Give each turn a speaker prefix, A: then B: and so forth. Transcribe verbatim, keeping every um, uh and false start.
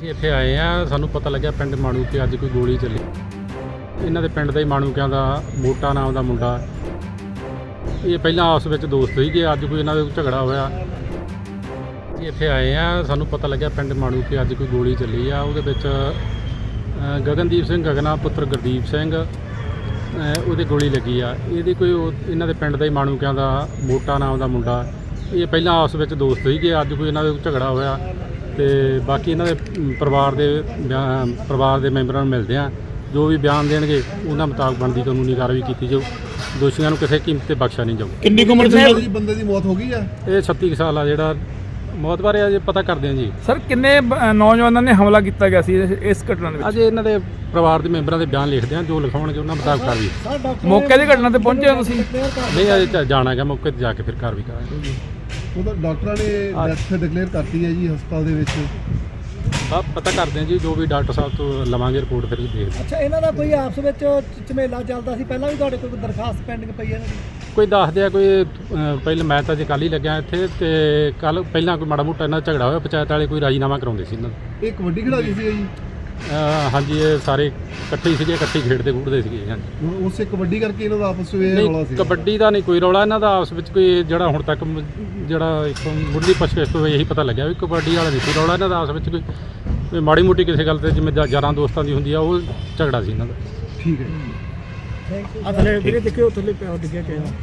A: ਅਸੀਂ ਇੱਥੇ ਆਏ ਆ, ਸਾਨੂੰ ਪਤਾ ਲੱਗਿਆ ਪਿੰਡ ਮਾਣੂ ਕਿ ਅੱਜ ਕੋਈ ਗੋਲੀ ਚੱਲੀ। ਇਹਨਾਂ ਦੇ ਪਿੰਡ ਦਾ ਹੀ ਮਾਣੂਕਿਆਂ ਦਾ ਮੋਟਾ ਨਾਮ ਦਾ ਮੁੰਡਾ, ਇਹ ਪਹਿਲਾਂ ਆਪਸ ਵਿੱਚ ਦੋਸਤ ਸੀਗੇ, ਅੱਜ ਕੋਈ ਇਹਨਾਂ ਦੇ ਝਗੜਾ ਹੋਇਆ। ਅਸੀਂ ਇੱਥੇ ਆਏ ਆ, ਸਾਨੂੰ ਪਤਾ ਲੱਗਿਆ ਪਿੰਡ ਮਾਣੂ ਕਿ ਅੱਜ ਕੋਈ ਗੋਲੀ ਚੱਲੀ ਆ। ਉਹਦੇ ਵਿੱਚ ਗਗਨਦੀਪ ਸਿੰਘ ਗਗਨਾ ਪੁੱਤਰ ਗੁਰਦੀਪ ਸਿੰਘ, ਉਹਦੇ ਗੋਲੀ ਲੱਗੀ ਆ। ਇਹਦੀ ਕੋਈ ਇਹਨਾਂ ਦੇ ਪਿੰਡ ਦਾ ਹੀ ਮਾਣੂਕਿਆਂ ਦਾ ਮੋਟਾ ਨਾਮ ਦਾ ਮੁੰਡਾ, ਇਹ ਪਹਿਲਾਂ ਆਪਸ ਵਿੱਚ ਦੋਸਤ ਸੀਗੇ, ਅੱਜ ਕੋਈ ਇਹਨਾਂ ਦੇ ਝਗੜਾ ਹੋਇਆ। ਤੇ ਬਾਕੀ ਇਹਨਾਂ ਦੇ ਪਰਿਵਾਰ ਦੇ ਪਰਿਵਾਰ ਦੇ ਮੈਂਬਰਾਂ ਨੂੰ ਮਿਲਦੇ ਆ, ਜੋ ਵੀ ਬਿਆਨ ਦੇਣਗੇ ਉਹਨਾਂ ਮੁਤਾਬਕ ਬਣਦੀ ਕਾਨੂੰਨੀ ਕਾਰਵਾਈ ਕੀਤੀ ਜਾਊ। ਦੋਸ਼ੀਆਂ ਨੂੰ ਕਿਸੇ ਕੀਮਤ ਤੇ ਬਖਸ਼ਿਆ ਨਹੀਂ ਜਾਊ।
B: ਕਿੰਨੀ ਉਮਰ ਦੇ ਬੰਦੇ ਦੀ ਮੌਤ ਹੋ ਗਈ ਆ?
A: ਇਹ ਛੱਤੀ ਕੁ ਸਾਲ ਆ। ਜਿਹੜਾ ਮੌਤ ਬਾਰੇ ਅਜੇ ਪਤਾ ਕਰਦੇ ਆ ਜੀ।
C: ਸਰ ਕਿੰਨੇ ਨੌਜਵਾਨਾਂ ਨੇ ਹਮਲਾ ਕੀਤਾ ਗਿਆ ਸੀ ਇਸ ਘਟਨਾ ਦੇ ਵਿੱਚ?
A: ਅਜੇ ਇਹਨਾਂ ਦੇ ਪਰਿਵਾਰ ਦੇ ਮੈਂਬਰਾਂ ਦੇ ਬਿਆਨ ਲਿਖਦੇ ਆ, ਜੋ ਲਿਖਾਉਣਗੇ ਉਹਨਾਂ ਮੁਤਾਬਕ ਕਾਰਵਾਈ।
C: ਮੌਕੇ ਦੀ ਘਟਨਾ ਤੇ ਪਹੁੰਚੇ ਹੋ ਤੁਸੀਂ?
A: ਨਹੀਂ, ਅਜੇ ਜਾਣਾ ਹੈਗਾ, ਮੌਕੇ ਤੇ ਜਾ ਕੇ ਫਿਰ ਕਾਰਵਾਈ ਕਰਾਂਗੇ।
B: ਉਹਦਾ ਡਾਕਟਰਾਂ ਨੇ ਡੈਥ ਡਿਕਲੇਅਰ ਕਰਤੀ ਹੈ ਜੀ ਹਸਪਤਾਲ ਦੇ ਵਿੱਚ।
A: ਸਭ ਪਤਾ ਕਰਦੇ ਆ ਜੀ, ਜੋ ਵੀ ਡਾਕਟਰ ਸਾਹਿਬ ਤੋਂ ਲਵਾਂਗੇ ਰਿਪੋਰਟ ਫਿਰ ਦੇਖਦੇ।
D: ਅੱਛਾ, ਇਹਨਾਂ ਦਾ ਕੋਈ ਆਪਸ ਵਿੱਚ ਝਮੇਲਾ ਚੱਲਦਾ ਸੀ ਪਹਿਲਾਂ ਵੀ? ਤੁਹਾਡੇ ਕੋਲ ਕੋਈ ਦਰਖਾਸਤ ਪੈਂਡਿੰਗ ਪਈ ਹੈ ਇਹਨਾਂ ਦੀ?
A: ਕੋਈ ਦੱਸਦੇ ਆ ਕੋਈ ਪਹਿਲਾਂ, ਮੈਂ ਤਾਂ ਜੇ ਕੱਲ੍ਹ ਹੀ ਲੱਗਿਆ ਇੱਥੇ, ਤੇ ਕੱਲ੍ਹ ਪਹਿਲਾਂ ਕੋਈ ਮਾੜਾ ਮੋਟਾ ਇਹਨਾਂ ਦਾ ਝਗੜਾ ਹੋਇਆ, ਪੰਚਾਇਤ ਵਾਲੇ ਕੋਈ ਰਾਜੀਨਾਮਾ ਕਰਾਉਂਦੇ ਸੀ ਇਹਨਾਂ ਦਾ।
B: ਇਹ ਕਬੱਡੀ ਖਿਡਾਰੀ ਸੀ ਜੀ?
A: ਹਾਂਜੀ, ਇਹ ਸਾਰੇ ਇਕੱਠੇ ਹੀ ਸੀਗੇ, ਇਕੱਠੇ ਖੇਡਦੇ ਖੂਡਦੇ ਸੀਗੇ। ਹਾਂਜੀ,
B: ਹੁਣ ਉਸੇ ਕਬੱਡੀ ਕਰਕੇ ਇਹਨਾਂ ਦਾ ਆਪਸ ਵਿੱਚ ਰੌਲਾ
A: ਨਹੀਂ
B: ਸੀ?
A: ਕਬੱਡੀ ਦਾ ਨਹੀਂ ਕੋਈ ਰੌਲਾ ਇਹਨਾਂ ਦਾ ਆਪਸ ਵਿੱਚ। ਕੋਈ ਜਿਹੜਾ ਹੁਣ ਤੱਕ ਮ- ਜਿਹੜਾ ਇੱਕ ਮੁੱਢਲੀ ਪੁੱਛਗਿੱਛ ਤੋਂ ਇਹੀ ਪਤਾ ਲੱਗਿਆ ਵੀ ਕਬੱਡੀ ਵਾਲਾ ਨਹੀਂ ਕੋਈ ਰੌਲਾ ਇਹਨਾਂ ਦਾ ਆਪਸ ਵਿੱਚ। ਕੋਈ ਕੋਈ ਮਾੜੀ ਮੋਟੀ ਕਿਸੇ ਗੱਲ ਤੇ ਜਿਵੇਂ ਜਾ- ਯਾਰਾਂ ਦੋਸਤਾਂ ਦੀ ਹੁੰਦੀ ਆ, ਉਹ ਝਗੜਾ ਸੀ ਇਹਨਾਂ ਦਾ।
B: ਠੀਕ ਹੈ ਜੀ।
D: ਆ ਥੱਲੇ ਵੀਰੇ ਦੇਖਿਓ, ਥੱਲੇ ਪਿਆ ਡਿੱਗਿਆ ਕਿਹਾ।